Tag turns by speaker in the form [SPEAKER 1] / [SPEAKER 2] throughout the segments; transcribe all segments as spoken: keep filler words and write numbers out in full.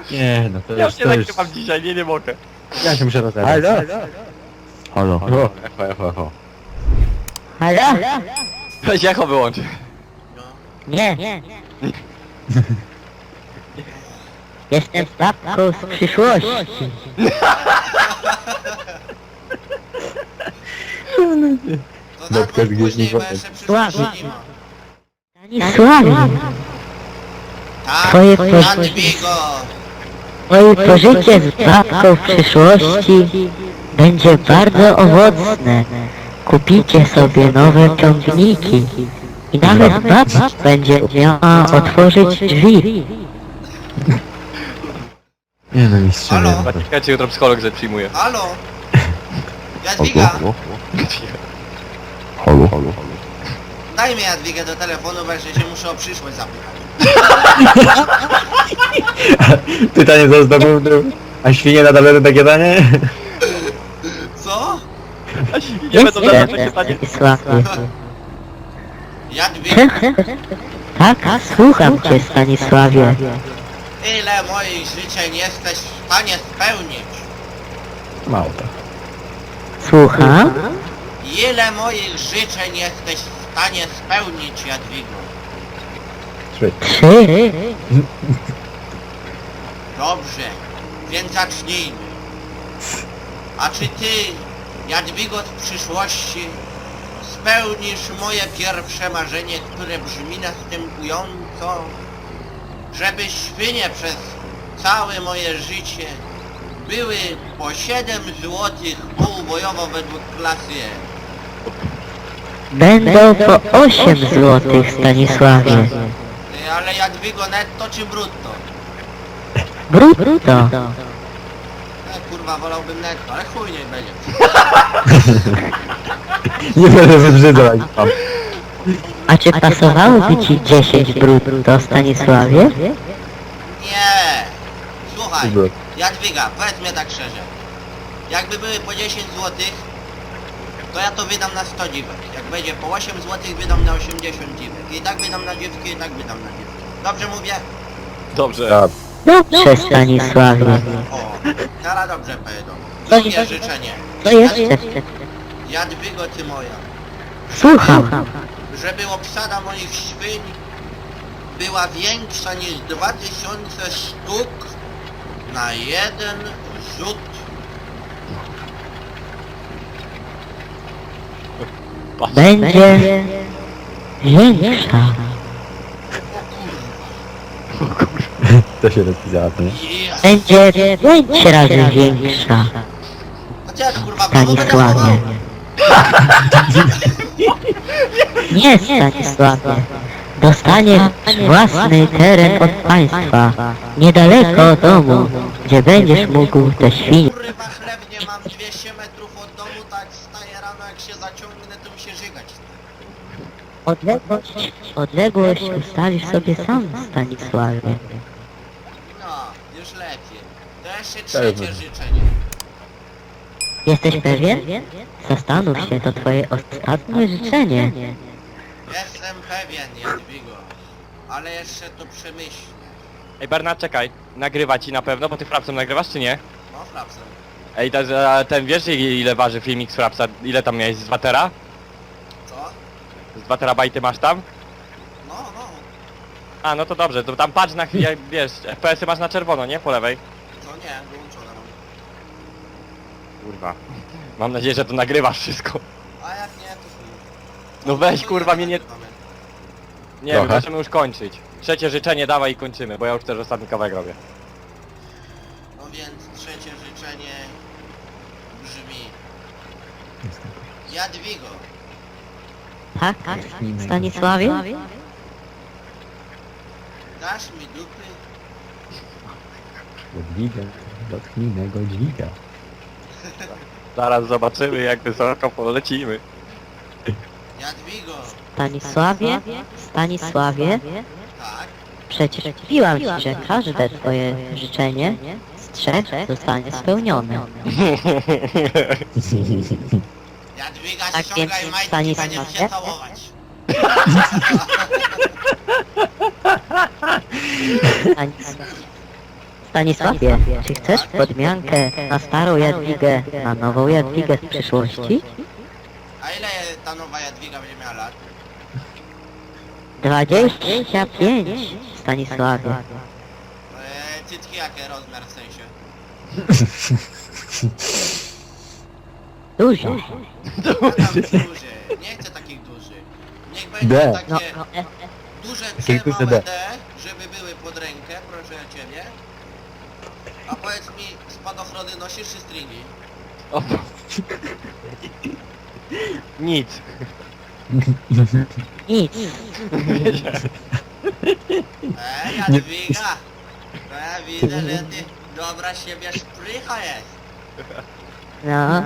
[SPEAKER 1] Nie, no to
[SPEAKER 2] Ja
[SPEAKER 1] już,
[SPEAKER 2] się
[SPEAKER 1] to już...
[SPEAKER 2] nagrywam dzisiaj, nie, nie mogę.
[SPEAKER 1] Ja się muszę rozebrać.
[SPEAKER 3] Halo?
[SPEAKER 1] Halo? O, echo, echo, echo.
[SPEAKER 4] Halo?
[SPEAKER 2] Weź echo wyłącz.
[SPEAKER 4] Nie. Jestem babką z przyszłości.
[SPEAKER 5] To
[SPEAKER 1] Babka
[SPEAKER 5] tak
[SPEAKER 1] z
[SPEAKER 5] później,
[SPEAKER 1] Gwiezdnych
[SPEAKER 5] bo
[SPEAKER 1] Wojen.
[SPEAKER 5] jeszcze przyszłości
[SPEAKER 4] Sława.
[SPEAKER 5] nie ma.
[SPEAKER 4] Stanisławie,
[SPEAKER 5] Tak,
[SPEAKER 4] Twoje po-
[SPEAKER 5] Jadwigo!
[SPEAKER 4] moje pożycie z babką w przyszłości będzie bardzo owocne. Kupicie sobie nowe ciągniki i nawet baba będzie miała otworzyć drzwi.
[SPEAKER 1] Nie no, mistrz,
[SPEAKER 5] Halo?
[SPEAKER 1] nie, no to...
[SPEAKER 2] Czekajcie, jutro psycholog że przyjmuje.
[SPEAKER 5] Halo? Jadwiga!
[SPEAKER 3] Halo, halo, halo.
[SPEAKER 5] Daj mi Jadwigę do telefonu, bo jeszcze się muszę o przyszłość zapytać.
[SPEAKER 1] Pytanie za zdobył, a świnie nadal będą takie danie?
[SPEAKER 5] Co?
[SPEAKER 2] A świnie będą na nasze pytanie.
[SPEAKER 4] Stanisławie.
[SPEAKER 5] Jadwiga,
[SPEAKER 4] Tak, słucham cię, Stanisławie.
[SPEAKER 5] ile moich życzeń jesteś w stanie spełnić?
[SPEAKER 1] Mało to.
[SPEAKER 4] Słucham?
[SPEAKER 5] Ile moich życzeń jesteś w stanie spełnić, Jadwigo?
[SPEAKER 1] Trzy.
[SPEAKER 4] Trzy.
[SPEAKER 5] Dobrze, więc zacznijmy. A czy ty, Jadwigo z przyszłości, spełnisz moje pierwsze marzenie, które brzmi następująco? Żeby świnie przez całe moje życie były po siedem złotych półbojowo według klasy E.
[SPEAKER 4] Będą po osiem złotych, Stanisławie.
[SPEAKER 5] Ty, ale Jadwigo netto czy brutto?
[SPEAKER 4] Brutto.
[SPEAKER 5] E, kurwa, wolałbym netto, ale chuj nie będzie.
[SPEAKER 1] Nie będę wybrzydzał jak tam.
[SPEAKER 4] A czy pasowałoby ci dziesięć brutto, Stanisławie?
[SPEAKER 5] Nie! Słuchaj,
[SPEAKER 1] Dobra.
[SPEAKER 5] Jadwiga, powiedz mnie tak szczerze. Jakby były po dziesięć złotych, to ja to wydam na sto dziwek. Jak będzie po osiem złotych, wydam na osiemdziesiąt dziwek. I tak wydam na dziewki, i tak wydam na dziewki. Dobrze mówię?
[SPEAKER 2] Dobrze.
[SPEAKER 1] Tak.
[SPEAKER 4] Dobrze, Stanisławie.
[SPEAKER 5] O, teraz dobrze pojedą.
[SPEAKER 4] To
[SPEAKER 5] Drugie
[SPEAKER 4] nie-
[SPEAKER 5] życzenie.
[SPEAKER 4] To jeszcze.
[SPEAKER 5] Jadwigo, ty moja.
[SPEAKER 4] Słucham.
[SPEAKER 5] Żeby obsada moich świń była większa niż dwa tysiące sztuk na jeden rzut.
[SPEAKER 4] Będzie większa.
[SPEAKER 1] To się rozpisało, to nie?
[SPEAKER 5] Yes.
[SPEAKER 4] Będzie pięć razy większa,
[SPEAKER 5] Chociaż kurwa, kogo będę
[SPEAKER 4] Stanisławie.
[SPEAKER 5] chował?
[SPEAKER 4] Nie, Stanisławie. Dostaniesz własny teren od państwa, niedaleko od domu, gdzie będziesz mógł te świnie.
[SPEAKER 5] Kurwa, chlebnie mam dwieście metrów od domu, tak wstaję rano, jak się zaciągnę, to mi się żygać.
[SPEAKER 4] Odległość, odległość ustalisz sobie sam, Stanisławie.
[SPEAKER 5] No, już lepiej. To jeszcze trzecie życzenie.
[SPEAKER 4] Jesteś pewien? Zastanów się, to twoje ostatnie życzenie.
[SPEAKER 5] Jestem pewien, Jadwigo. Ale jeszcze to przemyślę.
[SPEAKER 2] Ej Bernard, czekaj. Nagrywa ci na pewno, bo ty Frapsem nagrywasz czy nie?
[SPEAKER 5] No, frapsem.
[SPEAKER 2] Ej, ta, a ten wiesz ile waży filmik z Frapsa? Ile tam miałeś? Z dwa tera?
[SPEAKER 5] Co?
[SPEAKER 2] Z dwa terabajty masz tam?
[SPEAKER 5] No, no.
[SPEAKER 2] A, no to dobrze, to tam patrz na chwilę, wiesz, F P S-y masz na czerwono, nie? Po lewej.
[SPEAKER 5] Co nie, wyłączone mam.
[SPEAKER 2] Kurwa. Mam nadzieję, że to nagrywasz wszystko.
[SPEAKER 5] A jak nie, to chuj.
[SPEAKER 2] No weź,
[SPEAKER 5] To
[SPEAKER 2] kurwa,
[SPEAKER 5] nie
[SPEAKER 2] mnie nie-
[SPEAKER 5] nagrywamy.
[SPEAKER 2] Nie,
[SPEAKER 1] Trochę.
[SPEAKER 2] my możemy już kończyć. Trzecie życzenie dawaj i kończymy, bo ja już też ostatni kawałek robię.
[SPEAKER 5] No więc trzecie życzenie brzmi... Jadwigo,
[SPEAKER 4] Tak, Stanisławie?
[SPEAKER 5] dasz mi dupy?
[SPEAKER 1] Dźwiga, dotknij mego dźwiga.
[SPEAKER 2] Zaraz zobaczymy jak wysoko polecimy.
[SPEAKER 5] Jadwigo,
[SPEAKER 4] Stanisławie? Stanisławie?
[SPEAKER 5] tak?
[SPEAKER 4] Przecież mówiłam ci, że każde twoje życzenie z trzech zostanie spełnione.
[SPEAKER 5] Jadwiga,
[SPEAKER 4] Tak
[SPEAKER 5] ściągaj
[SPEAKER 4] więc
[SPEAKER 5] majtki,
[SPEAKER 4] stanie
[SPEAKER 5] będziemy
[SPEAKER 4] się
[SPEAKER 5] się całować.
[SPEAKER 4] Stanis- Stanisławie, czy chcesz podmiankę na starą Jadwigę, na nową Jadwigę z przyszłości?
[SPEAKER 5] A ile ta nowa Jadwiga będzie miała lat?
[SPEAKER 4] Dwadzieścia pięć, Stanisławie.
[SPEAKER 5] Eee, cycki jakie rozmiar w sensie?
[SPEAKER 4] Dużo.
[SPEAKER 5] Ja tam duży, nie chcę takich dużych. Niech będzie
[SPEAKER 1] D.
[SPEAKER 5] takie
[SPEAKER 4] No, no, e,
[SPEAKER 5] duże
[SPEAKER 1] Takie
[SPEAKER 5] C,
[SPEAKER 1] duże
[SPEAKER 5] małe
[SPEAKER 1] D.
[SPEAKER 5] D, żeby były pod rękę, proszę ciebie. A powiedz mi, spadochrony nosisz czy stringi?
[SPEAKER 2] O, bo- Nic.
[SPEAKER 4] nic.
[SPEAKER 5] Eee, Jadwiga! Eee, widzę, że ty dobra z siebie szprycha jest.
[SPEAKER 4] No,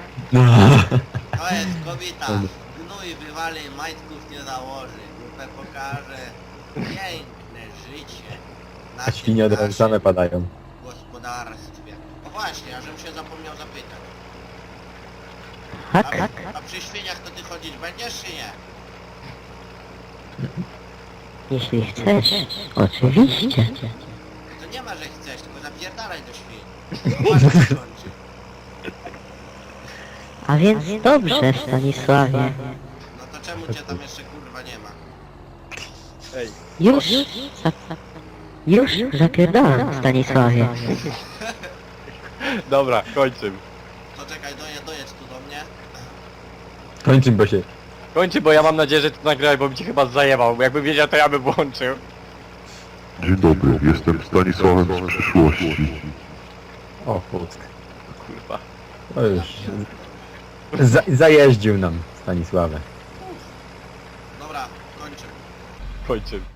[SPEAKER 5] To jest kobieta. Gnój wywali, majtków nie założy. Dupę pokaże. Piękne życie. Na
[SPEAKER 1] A świnie od
[SPEAKER 5] tym
[SPEAKER 1] razu same
[SPEAKER 5] naszym
[SPEAKER 1] padają.
[SPEAKER 5] gospodarstwie. O właśnie, a żebym się zapomniał zapytać.
[SPEAKER 4] tak,
[SPEAKER 5] A, a przy świniach to ty chodzić będziesz czy nie?
[SPEAKER 4] jeśli chcesz, oczywiście.
[SPEAKER 5] To nie ma, że chcesz, tylko zapierdalaj do świn. Ładnie się kończy.
[SPEAKER 4] A więc dobrze, Stanisławie.
[SPEAKER 5] No to czemu cię tam jeszcze kurwa nie ma?
[SPEAKER 2] Ej.
[SPEAKER 4] Już, za, już zapierdalam, Stanisławie.
[SPEAKER 2] Dobra, kończymy.
[SPEAKER 5] To czekaj, doje, dojedź tu do mnie.
[SPEAKER 1] Kończymy, bo się...
[SPEAKER 2] Kończy, bo ja mam nadzieję, że ty nagrałeś, bo mi cię chyba zajebał. Bo jakbym wiedział, to ja bym włączył.
[SPEAKER 6] Dzień dobry, jestem Stanisławem z przyszłości.
[SPEAKER 1] O, puck.
[SPEAKER 2] Kurwa.
[SPEAKER 1] To już... Za, zajeździł nam Stanisławę.
[SPEAKER 5] Dobra, kończę.
[SPEAKER 2] Kończymy.